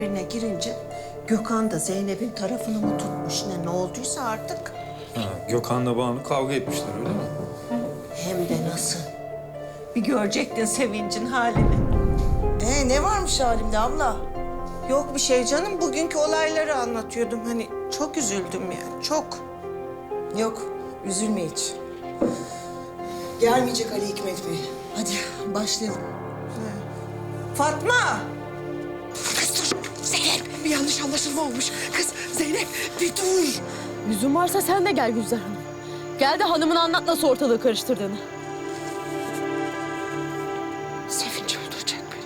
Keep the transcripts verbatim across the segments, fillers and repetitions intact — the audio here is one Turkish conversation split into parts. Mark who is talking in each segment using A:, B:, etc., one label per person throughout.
A: Birine girince Gökhan da Zeynep'in tarafını mı tutmuş ne, ne olduysa artık.
B: Ha, Gökhan'la Banu kavga etmişler öyle mi?
A: Hem de nasıl. Bir görecektin Sevinç'in halini.
C: Ee, ne varmış halimde abla?
A: Yok bir şey canım, bugünkü olayları anlatıyordum. Hani çok üzüldüm yani, çok.
C: Yok, üzülme hiç. Gelmeyecek Ali Hikmet Bey. Hadi başlayalım.
A: Fatma!
D: Kız dur. Zeynep bir yanlış anlaşılma olmuş. Kız Zeynep bir dur.
E: Yüzün varsa sen de gel Gülzar Hanım. Gel de hanımına anlat nasıl ortalığı karıştırdığını.
D: Sevinç öldürecek beni.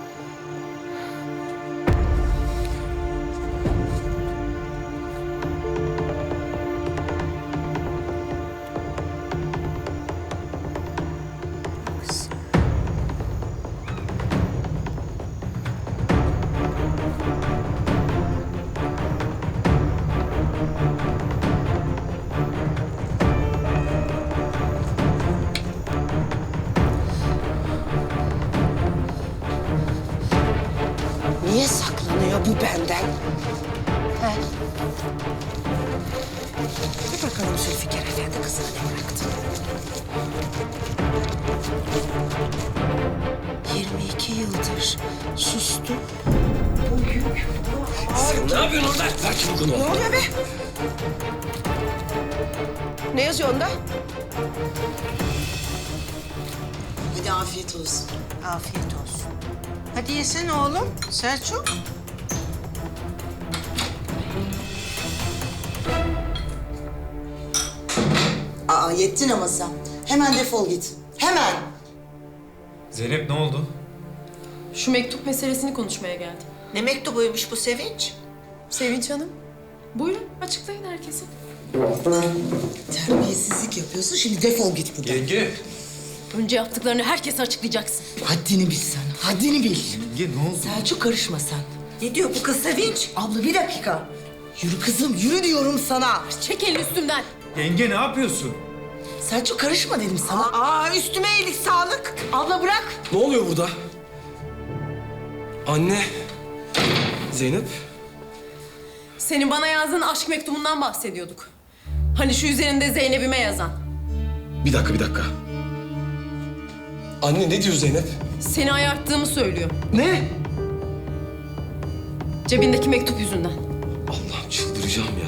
A: Niye saklanıyor bu benden? He?
D: Bir bakalım Zülfikar Efendi kızına ne bıraktı.
A: yirmi iki yıldır sustu.
F: Sen ne yapıyorsun orada? Ver çabuk onu.
D: Ne oluyor be? Ne yazıyor onda?
C: Hadi afiyet olsun.
A: Afiyet olsun. Hadi yesene oğlum, Selçuk.
C: Aa, yettin ama sen. Hemen defol git. Hemen.
B: Zeynep ne oldu?
E: Şu mektup meselesini konuşmaya geldim.
A: Ne mektubuymuş bu Sevinç?
E: Sevinç Hanım, buyurun açıklayın herkese.
C: Terbiyesizlik yapıyorsun. Şimdi defol git buradan.
B: Yenge.
E: Önce yaptıklarını herkese açıklayacaksın.
C: Haddini bil sen. Haddini bil.
B: Yenge ne oldu?
C: Selçuk karışma sen.
A: Ne diyor bu kız Sevinç?
C: Abla bir dakika. Yürü kızım, yürü diyorum sana.
E: Çek elini üstümden.
B: Yenge ne yapıyorsun?
C: Selçuk karışma dedim sana.
A: Aa, üstüme iyilik sağlık.
C: Abla bırak.
F: Ne oluyor burada? Anne. Zeynep.
E: Senin bana yazdığın aşk mektubundan bahsediyorduk. Hani şu üzerinde Zeynep'ime yazan.
F: Bir dakika bir dakika. Anne ne diyor Zeynep?
E: Seni ayarttığımı söylüyor.
F: Ne?
E: Cebindeki mektup yüzünden.
F: Allah'ım çıldıracağım ya.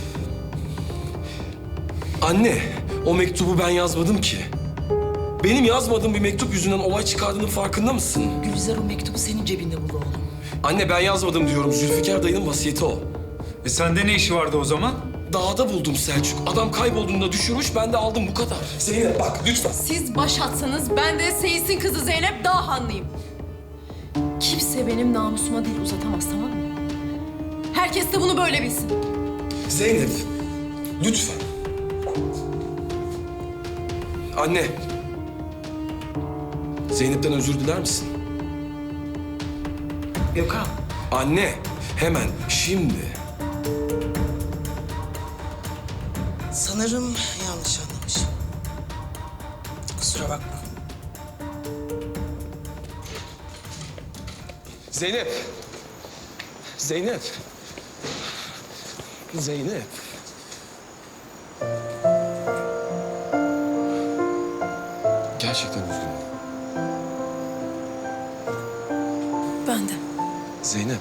F: Anne o mektubu ben yazmadım ki. Benim yazmadığım bir mektup yüzünden olay çıkardığının farkında mısın?
C: Gülizar o mektubu senin cebinde buldu oğlum.
F: Anne ben yazmadım diyorum. Zülfikar dayının vasiyeti o.
B: E sende ne işi vardı o zaman?
F: Dağda buldum Selçuk. Adam kaybolduğunda düşürmüş, ben de aldım bu kadar. Zeynep bak lütfen.
E: Siz baş atsanız ben de Seyis'in kızı Zeynep Dağhanlıyım. Kimse benim namusuma dil uzatamaz, tamam mı? Herkes de bunu böyle bilsin.
F: Zeynep, lütfen. Anne. Zeynep'ten özür diler misin?
C: Gökhan.
F: Anne, hemen, şimdi.
C: Sanırım yanlış anlamışım. Kusura bakma.
F: Zeynep. Zeynep. Zeynep. Gerçekten üzgünüm.
E: Ben de.
F: Zeynep.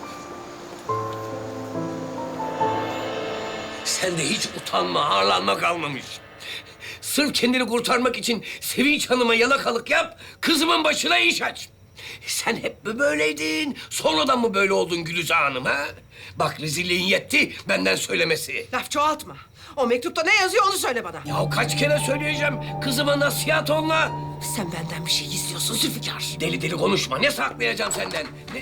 G: Sende hiç utanma, ağırlanma kalmamış. Sırf kendini kurtarmak için Sevinç Hanım'a yalakalık yap, kızımın başına iş aç. Sen hep mi böyleydin? Sonradan mı böyle oldun Gülüze Hanım ha? Bak rezilliğin yetti, benden söylemesi.
D: Laf çoğaltma. O mektupta ne yazıyor onu söyle bana.
G: Ya kaç kere söyleyeceğim, kızıma nasihat onunla.
D: Sen benden bir şey gizliyorsun Zülfikar.
G: Deli deli konuşma, ne saklayacağım senden? Ne?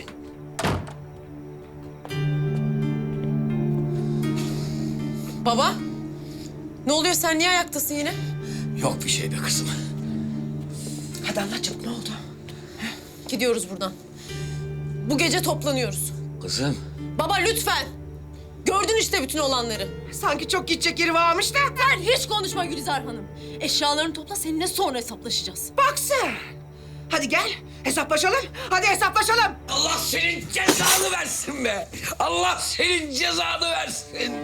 E: Baba, ne oluyor? Sen niye ayaktasın yine?
G: Yok bir şey be kızım.
D: Hadi anlat çabuk ne oldu?
E: Gidiyoruz buradan. Bu gece toplanıyoruz.
G: Kızım.
E: Baba lütfen. Gördün işte bütün olanları.
D: Sanki çok gidecek yeri varmış da.
E: Sen hiç konuşma Gülizar Hanım. Eşyalarını topla, seninle sonra hesaplaşacağız.
D: Bak sen. Hadi gel hesaplaşalım. Hadi hesaplaşalım.
G: Allah senin cezanı versin be. Allah senin cezanı versin.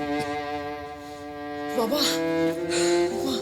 D: Baba. Baba.